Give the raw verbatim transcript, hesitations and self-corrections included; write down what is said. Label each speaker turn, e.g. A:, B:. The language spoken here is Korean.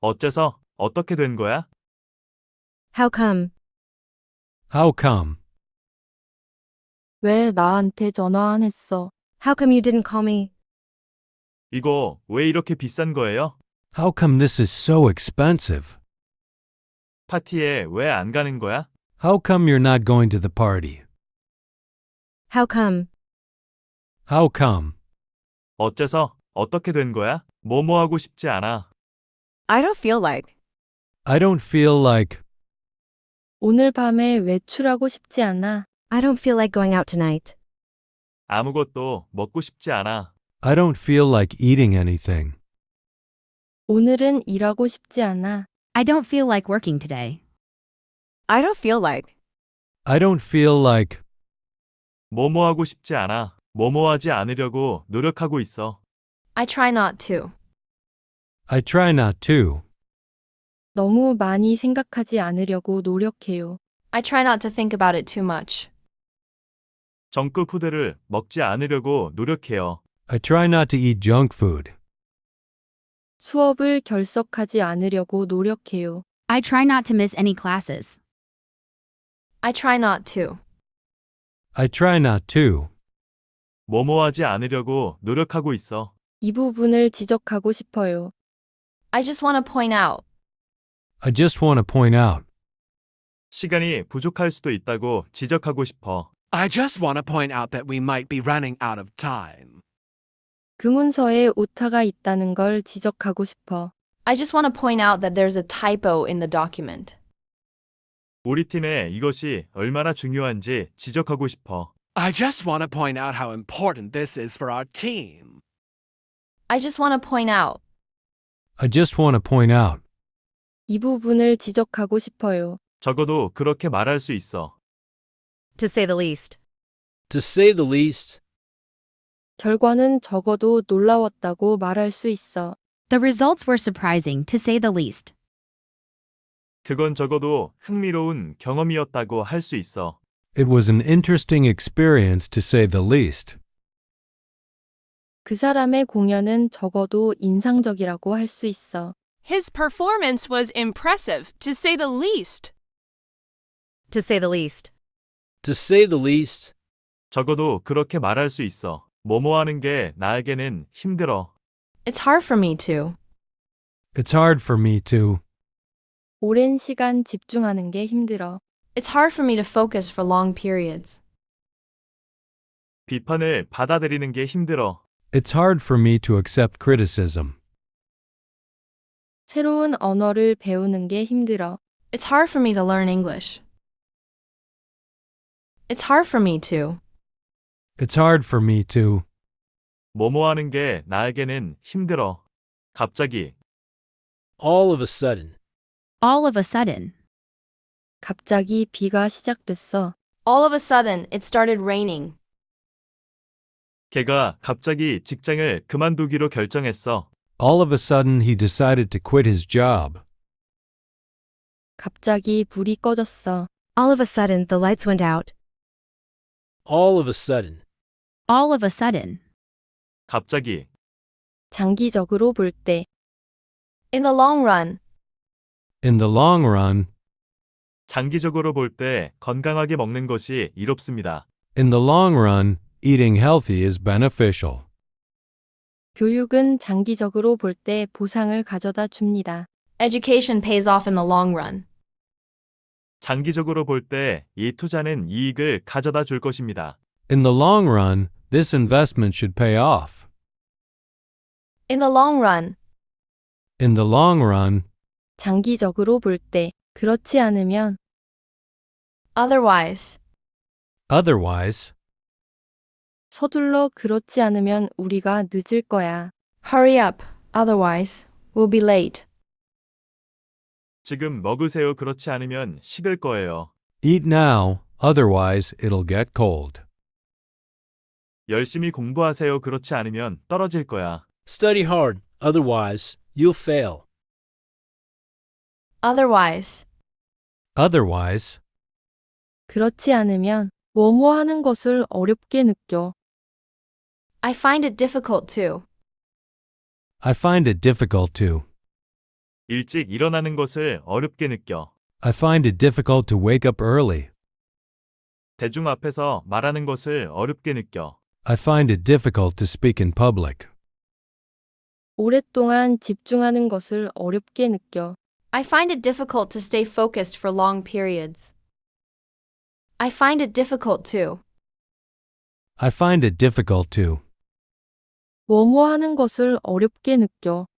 A: 어째서? 어떻게 된 거야?
B: How come?
C: How come?
D: 왜 나한테 전화 안 했어?
B: How come you didn't call me?
A: 이거 왜 이렇게 비싼 거예요?
C: How come this is so expensive?
A: 파티에 왜 안 가는 거야?
C: How come you're not going to the party?
B: How come?
C: How come?
A: 어째서? 어떻게 된 거야? 뭐뭐 하고 싶지 않아.
E: I don't feel like.
C: I don't feel like.
D: 오늘 밤에 외출하고 싶지 않아.
B: I don't feel like going out tonight.
A: 아무것도 먹고 싶지 않아.
C: I don't feel like eating anything.
D: 오늘은 일하고 싶지 않아.
F: I don't feel like working today.
E: I don't feel like.
C: I don't feel like.
A: 뭐뭐 하고 싶지 않아. 뭐뭐 하지 않으려고 노력하고 있어.
G: I try not to.
C: I try not to.
D: 너무 많이 생각하지 않으려고 노력해요.
G: I try not to think about it too much.
A: 정크 푸드를 먹지 않으려고 노력해요.
C: I try not to eat junk food.
D: 수업을 결석하지 않으려고 노력해요.
F: I try not to miss any classes.
G: I try not to.
C: I try not to.
A: 뭐뭐 하지 않으려고 노력하고 있어.
D: 이 부분을 지적하고 싶어요.
G: I just want to point out.
C: I just want to point out.
A: 시간이 부족할 수도 있다고 지적하고 싶어.
H: I just want to point out that we might be running out of time.
D: 그 문서에 오타가 있다는 걸 지적하고 싶어.
G: I just want to point out that there's a typo in the document.
A: 우리 팀에 이것이 얼마나 중요한지 지적하고 싶어.
H: I just want to point out how important this is for our team.
G: I just want to point out.
C: I just want to point out.
D: 이 부분을 지적하고 싶어요.
A: 적어도 그렇게 말할 수 있어.
B: To say the least.
I: To say the least.
D: 결과는 적어도 놀라웠다고 말할 수 있어.
F: The results were surprising, to say the least.
A: 그건 적어도 흥미로운 경험이었다고 할 수 있어.
C: It was an interesting experience to say the least.
D: 그 사람의 공연은 적어도 인상적이라고 할 수 있어.
J: His performance was impressive, to say the least.
B: To say the least.
I: To say the least.
A: 적어도 그렇게 말할 수 있어. 뭐뭐 하는 게 나에게는 힘들어.
G: It's hard for me to.
C: It's hard for me to.
D: 오랜 시간 집중하는 게 힘들어.
G: It's hard for me to focus for long periods.
A: 비판을 받아들이는 게 힘들어.
C: It's hard for me to accept criticism.
D: 새로운 언어를 배우는 게 힘들어.
G: It's hard for me to learn English. It's hard for me to.
C: It's hard for me to.
A: 뭐뭐 하는 게 나에게는 힘들어. 갑자기.
I: All of a sudden.
F: All of a sudden.
D: 갑자기 비가 시작됐어.
G: All of a sudden, it started raining.
A: 걔가 갑자기 직장을 그만두기로 결정했어.
C: All of a sudden he decided to quit his job.
D: 갑자기 불이 꺼졌어.
B: All of a sudden, the lights went out.
I: All of a sudden.
F: All of a sudden.
A: 갑자기.
D: 장기적으로 볼 때.
G: In the long run.
C: In the long run.
A: 장기적으로 볼 때 건강하게 먹는 것이 이롭습니다.
C: In the long run, eating healthy is beneficial.
D: 교육은 장기적으로 볼 때 보상을 가져다 줍니다.
G: Education pays off in the long run.
A: 장기적으로 볼 때 이 투자는 이익을 가져다 줄 것입니다.
C: In the long run, this investment should pay off.
G: In the long run.
C: In the long run.
D: 장기적으로 볼 때 그렇지 않으면
G: Otherwise.
C: Otherwise.
D: 서둘러 그렇지 않으면 우리가 늦을 거야.
G: Hurry up. Otherwise, we'll be late.
A: 지금 먹으세요. 그렇지 않으면 식을 거예요.
C: Eat now, otherwise it'll get cold.
A: 열심히 공부하세요. 그렇지 않으면 떨어질 거야.
I: Study hard, otherwise you'll fail.
G: Otherwise.
C: Otherwise.
D: 그렇지 않으면 뭐뭐 하는 것을 어렵게 느껴.
G: I find it difficult to.
C: I find it difficult to.
A: 일찍 일어나는 것을 어렵게 느껴.
C: I find it difficult to wake up early.
A: 대중 앞에서 말하는 것을 어렵게 느껴.
C: I find it difficult to speak in public.
D: 오랫동안 집중하는 것을 어렵게 느껴.
G: I find it difficult to stay focused for long periods. I find it difficult to.
C: I find it difficult to.
D: 뭐뭐 하는 것을 어렵게 느껴.